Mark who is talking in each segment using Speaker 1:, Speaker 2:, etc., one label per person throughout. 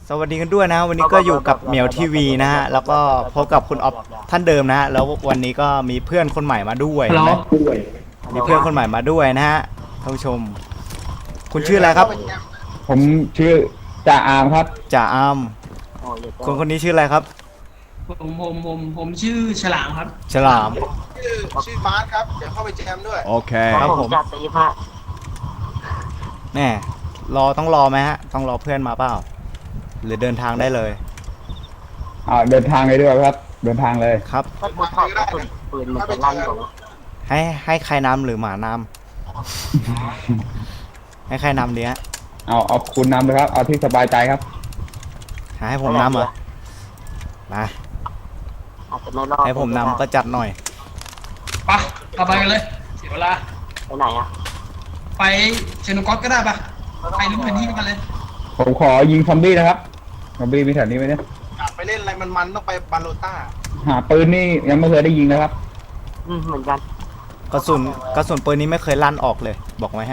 Speaker 1: สวัสดีกันด้วยนะวันนี้ก็อยู่กับเหมียวทีวีนะฮะแล้วก็พบกับคุณออฟท่านเดิมนะฮะแล้ววันนี้ก็มีเพื่อนคนใหม่มาด้วยนะมีเพื่อนคนใหม่มาด้วยนะฮะท่านผู้ชมคุณชื่ออะไรครับ
Speaker 2: ผมชื่อจ่าอามครับ
Speaker 1: จ่าอามคนนี้ชื่ออะไรครับ
Speaker 3: ผมชื่อฉลามครับ
Speaker 1: ฉลาม
Speaker 4: ชื่อบาสครับเดี๋ยวเข้าไปแจมด้วย
Speaker 1: โอเคครับผม
Speaker 5: จัดตีพะ
Speaker 1: แน่ต้องรอไหมฮะต้องรอเพื่อนมาเปล่าหรือเดินทางได้เลย
Speaker 2: เดินทางเลยด้วยครับเดินทางเลย
Speaker 1: ครับ
Speaker 5: ถ้ากูถอดกระสุนปืนมันจะลั่นกว่า
Speaker 1: ให้ใครนำหรือหมานำให้ใครนำดีฮะ
Speaker 2: เอาคุณนำเลยครับเอาที่สบายใจครับ
Speaker 1: ให้ผมนำเหรอมาให้ผมนำก็จัดหน่อย
Speaker 3: ปะเราไปกันเลยเสียเวลา
Speaker 5: ไปไหนอ่ะ
Speaker 3: ไปเชนุกอสก็ได้ปะไปรู้แผนที่กันเลย
Speaker 2: ผมขอยิงซอมบี้นะครับซอมบี้มีแถวนี้ไหมเนี่ย
Speaker 4: อยากไปเล่นอะไรมันต้องไปบาโลต้า
Speaker 2: หาปืนนี่ยังไม่เคยได้ยิงนะครับ
Speaker 5: เหมือนกัน
Speaker 1: กระสุนปืนนี้ไม่เคยลั่นออกเลยบอกไว้ให้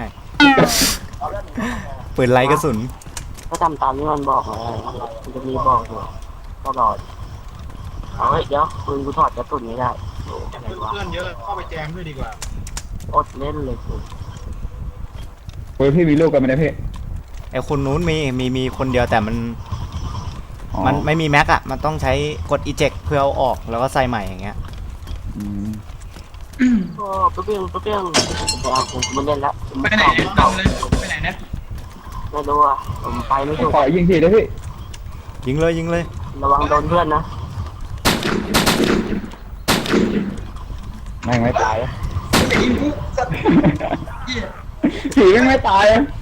Speaker 1: ปืนไรกระสุน
Speaker 5: ก็ทำตามที่มันบอกเลยมันจะมีบอกอยู่ตลอดเฮ้ยเดี๋ยวปืนกูถอดกระสุนไม่ได้
Speaker 4: เพื่อนเยอะเข้าไปแจมด้วยดีกว่า
Speaker 5: อดเล่นเลย
Speaker 2: ปืนพี่มีลูกกันไหมเนี่ยพี่
Speaker 1: ไอคนนู้นมีคนเดียวแต่มันไม่มีแม็กอะมันต้องใช้กด eject เพื่อเอาออกแล้วก็ใส่ใหม่อย่างเงี้ย
Speaker 5: โอ้ปุ๊บเปี้ยงผมไม่เล่นแล้ว
Speaker 3: ไปไหนเนี่ยตามเลยไปไหนเนี่ย
Speaker 5: ไม่รู้อ่ะผมไปไม่ถูก
Speaker 2: ขอยิงทีนะพี่
Speaker 1: ยิงเลย
Speaker 5: ระวังโดนเพื่อนนะ
Speaker 2: ไม่ตาย
Speaker 3: ยิงกูสัตว์
Speaker 2: ผีไม่ตาย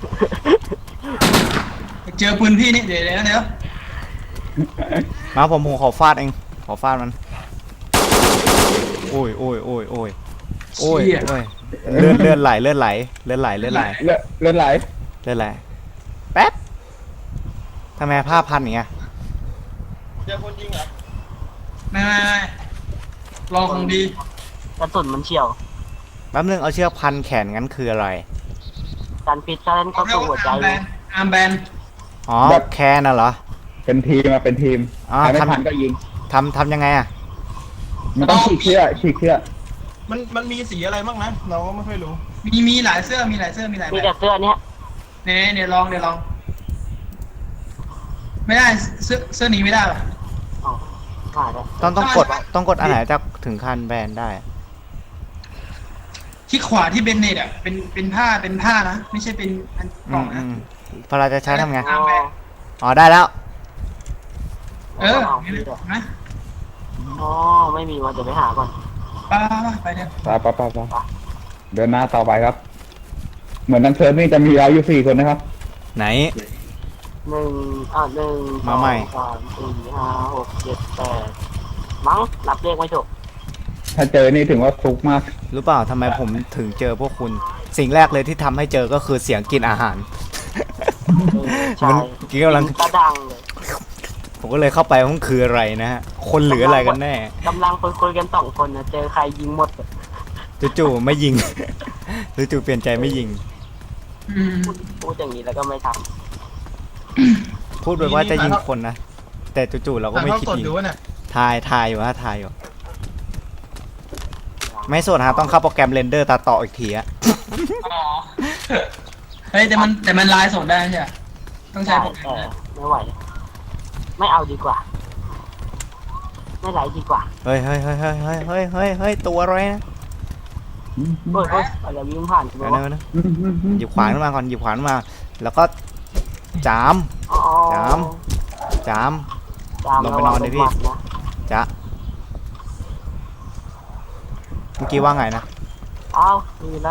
Speaker 3: เจอปืนพี่นี่เดี๋ยว
Speaker 1: มาผมขอฟาดเองขอฟาดมันโอ้ยเลือดไหลแป๊บทำไมผ้าพันอย่างเงี้ย
Speaker 4: เจอคนยิงเหรอ
Speaker 3: ไม่รอคงดี
Speaker 5: กระสุนมันเฉียว
Speaker 1: แป๊บนึงเอาเชือกพันแขนงั้นคืออะไร
Speaker 5: การปิดการเล่นเข้าสู่หัวใจ
Speaker 3: อาร์มแบน
Speaker 1: อ๋อแคนน่ะเหรอ
Speaker 2: เป็นทีมมาเป็นทีมใครไม่ทันก็ยิง
Speaker 1: ทำยังไงอะ
Speaker 2: มันต้องฉีกเชือก
Speaker 4: มันมีสีอะไรบ้างนะเราก็ไม่ค่อยรู้
Speaker 3: มีหลายเสื้อมีแต่เสื้อ
Speaker 5: เนี้ย
Speaker 3: เนี่ยลองไม่ได้เสื้อนี้ไม่ได้หรอ
Speaker 1: ต้องกดอันไหนจะถึงคันแบนได้
Speaker 3: ที่ขวาที่เบนเน็ตอ่ะเป็นผ้านะไม่ใช่เป็นอันกล่องนะ
Speaker 1: พอเราจะใช้ทำไงอ๋อได้แล้ว
Speaker 3: นะ
Speaker 5: อ๋อไม่มีวันจะไปหาก่อน
Speaker 3: ไปเนี่ย
Speaker 2: ไปเดินหน้าต่อไปครับเหมือนนังเซิร์ฟนี่จะมีเราอยู่4 คนนะครับ
Speaker 1: ไหน
Speaker 5: 1
Speaker 1: มาใหม่
Speaker 5: 2 3 4 5 6 7 8มั้งนับเลขไม่ถูก
Speaker 2: ถ้าเจอนี่ถึงว่าฟุกมาก
Speaker 1: รู้เปล่าทำไมผมถึงเจอพวกคุณสิ่งแรกเลยที่ทำให้เจอก็คือเสียงกินอาหาร
Speaker 5: มัน
Speaker 1: กำลัง
Speaker 5: ดังเลย
Speaker 1: ผมก็เลยเข้าไปว่ามันคืออะไรนะฮะคนหรืออะไรกันแน่
Speaker 5: กำลังคุยกัน2 คนนะเจอใครยิงหมด
Speaker 1: จู่ๆไม่ยิงจู่ๆเปลี่ยนใจไม่ยิง
Speaker 5: พูดอย่างนี้แล้วก็ไม่ท
Speaker 1: ำพูดไปว่าจะยิงคนนะแต่จู่ๆเราก็ไม่คิดยิงทายอยู่ไม่สดฮะต้องเข้าโปรแกรมเรนเดอร์ตัดต่ออีกทีอะ
Speaker 3: เฮ้ยแต่มันไลน์สดได้ใช่ไหมต้องใช้โปรแกรม
Speaker 5: ไม่ไหวไม่เอาดีกว่าไม่ไหลดีกว่า
Speaker 1: เฮ้ยตัวอะไรนะ
Speaker 5: อะไรวิ่งผ่านใช่ไหม
Speaker 1: หยิบขวานมาก่อนหยิบขวานมาแล้วก็จามลงไปนอนเลยพี่จ๊ะเมื่อกี้ว่าไงนะ
Speaker 5: มีอะไร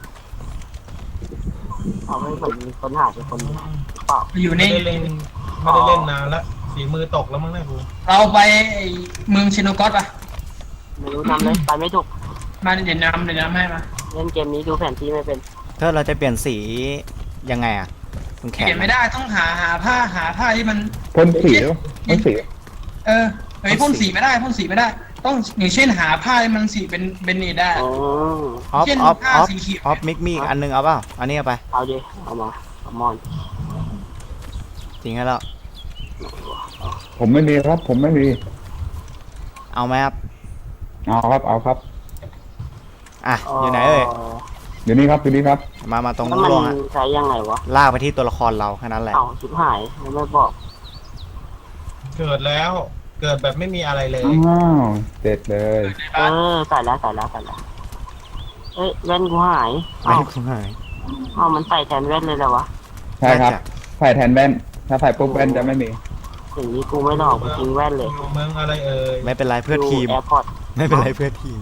Speaker 5: ไม่เหมือนมีคนหาเป็นคนเปล่า
Speaker 3: อยู่ใน
Speaker 4: ไม่ได้เล่นนานแล้วฝีมือตกแล้วมั้งนะครู
Speaker 3: เราไปเมืองเชโนกอสป่ะ
Speaker 5: ไม่รู้นำเลยไปไม่ถูก
Speaker 3: มาเดี๋ยวนำให้มา
Speaker 5: เล่นเกมนี้ดูแผนที่ไม่เป็น
Speaker 1: ถ้าเราจะเปลี่ยนสียังไงอ่ะ
Speaker 3: เปลี่ยนไม่ได้ต้องหาผ้าที่มัน
Speaker 2: พ่นสีพ่นสี
Speaker 3: พ่นสีไม่ได้ต้องอย่างเช่นหาผ้าที่มันสีเป็นนี่ได้
Speaker 1: เช่นผ้าสีเขียวมิกมีอันนึงเอาเปล่าอันนี้เอาไป
Speaker 5: เอาดิเอามาเอามอน
Speaker 1: จริงแล้ว
Speaker 2: ผมไม่มีครับ ผมไม่มี
Speaker 1: เอาไหมครับ
Speaker 2: เอาครับ เอาครับ
Speaker 1: อ่ะอยู่ไหนเอ่ย
Speaker 2: อยู่นี่ครับอยู่นี่ครับ
Speaker 1: มาตรง
Speaker 5: แล้ว
Speaker 1: นู้
Speaker 5: มัน น
Speaker 1: ลงอ่ะ
Speaker 5: ใช้ยังไงวะ
Speaker 1: ลากไปที่ตัวละครเราแค่นั้นแหละ
Speaker 5: เอ้าชิบหายแล้วไม่บอก
Speaker 4: เกิดแล้ว เกิดแบบไม่มีอะไรเลย
Speaker 2: อ้าวเด็ดเลย
Speaker 5: เออใส่แล้วเอ้ยแว่นกูหาย
Speaker 1: ไม่
Speaker 5: เอ้า
Speaker 1: คุ้มหาย
Speaker 5: เอ้ามันใส่แทนแว่นเลยเหรอวะ
Speaker 2: ใช่ครับ
Speaker 1: น่าจะ
Speaker 2: ใส่แทนแว่น ถ้าใส่ปุ๊บแว่นจะไม่มี
Speaker 5: อย่างนี้กูไม่หลอกกูทิ้งแว่นเลย
Speaker 4: อยู่เมืองอะไรเอ่ย
Speaker 1: ไม่เป็นไรเพื่อทีม
Speaker 5: แอร์พอร์ต
Speaker 1: ไม่เป็นไรเพื่อทีม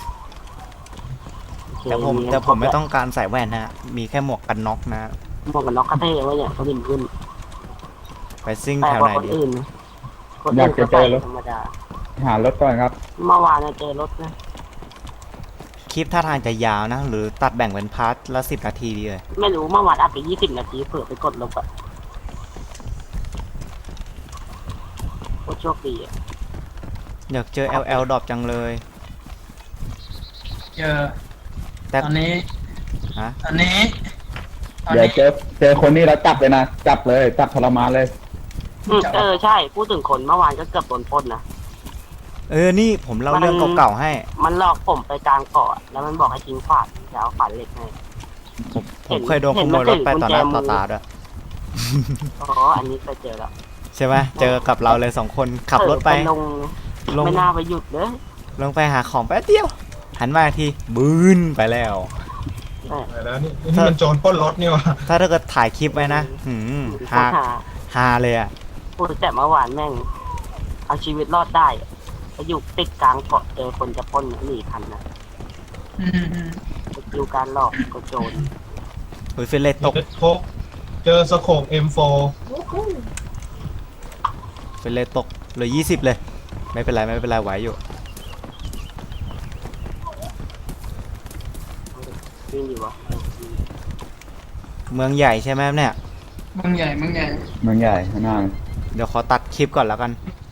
Speaker 1: แต่ผมไม่ต้องการใส่แว่นนะฮะมีแค่หมวกกันน็อกนะ
Speaker 5: หมวกกันน็อกกระเท่ไว้เนี่ยเขาบินขึ้น
Speaker 1: ไปซิ่ง
Speaker 5: แต่
Speaker 1: แถว
Speaker 5: กว่า
Speaker 1: ไหน
Speaker 5: คน
Speaker 1: ดี
Speaker 5: อื่นคนอื่นก็ใส่ธรรมดา
Speaker 2: หารถก่อนครับ
Speaker 5: เมื่อวานเนี่ยเจอรถนะ
Speaker 1: คลิปท่าทางจะยาวนะ หรือตัดแบ่งเป็นพาร์ทละ10 นาทีดีเลย
Speaker 5: ไม่รู้เมื่อวานอัดไป20 นาทีเผื่อไปกดลบอะโคตรโชคดีอะ
Speaker 1: อยากเจอ LL ดรอปจังเลย
Speaker 3: เจอ
Speaker 1: แต่
Speaker 3: ตอนนี้
Speaker 1: ฮะ
Speaker 3: ตอนนี้
Speaker 2: เดี๋ยวเจอคนนี้แล้วจับเลยนะ จับเลย จับทรมานเลย
Speaker 5: เออใช่พูดถึงคนเมื่อวานก็เกือบโดนปล้นนะ
Speaker 1: นี่ผมเล่าเรื่องเก่าๆให้
Speaker 5: มันหลอกผมไปกลางเกาะแล้วมันบอกให้ทิ้งขวานจะเอาขวานเหล็กให้
Speaker 1: ผมเคยโดนขโมยรถไปต่อหน้าต่อตาด้วย
Speaker 5: อ๋ออันนี้เคยเจอแล้ว
Speaker 1: ใช่ไหมเจอกับเราเลย2 คนขับรถไป
Speaker 5: ลง
Speaker 1: ลง
Speaker 5: ไม่น่าไปหยุดเลย
Speaker 1: ลงไปหาของแป๊บเดียว หันมาอีกทีบืนไปแล้ว
Speaker 5: ใช่
Speaker 4: แล้วนี่มันโจรปล้นรถนี่วะ
Speaker 1: ถ้าเกิดถ่ายคลิปไว้นะฮา
Speaker 5: หา
Speaker 1: ฮาเลยอ่ะ
Speaker 5: พูดแต่เมื่อวานแม่ง เอาชีวิตรอดได้อะไปอยู่ติดกลางเกาะเจอคนจะปล้นหนีทันนะ
Speaker 3: อืม
Speaker 5: ไปคิวการหลอกก็โจร
Speaker 1: อุ้ยเฟรนเลตก
Speaker 4: เจอสโคป M4
Speaker 1: เฟรนเลตกเหลือ20 เลย ไม่เป็นไรไหวอยู่
Speaker 5: วิ่งอยู่วะ
Speaker 1: เมืองใหญ่ใช่ไหมเนี่ย
Speaker 3: มึงใหญ่
Speaker 2: เมืองใหญ่ข้างหน้า
Speaker 1: เดี๋ยวขอตัดคลิปก่อนแล้วกัน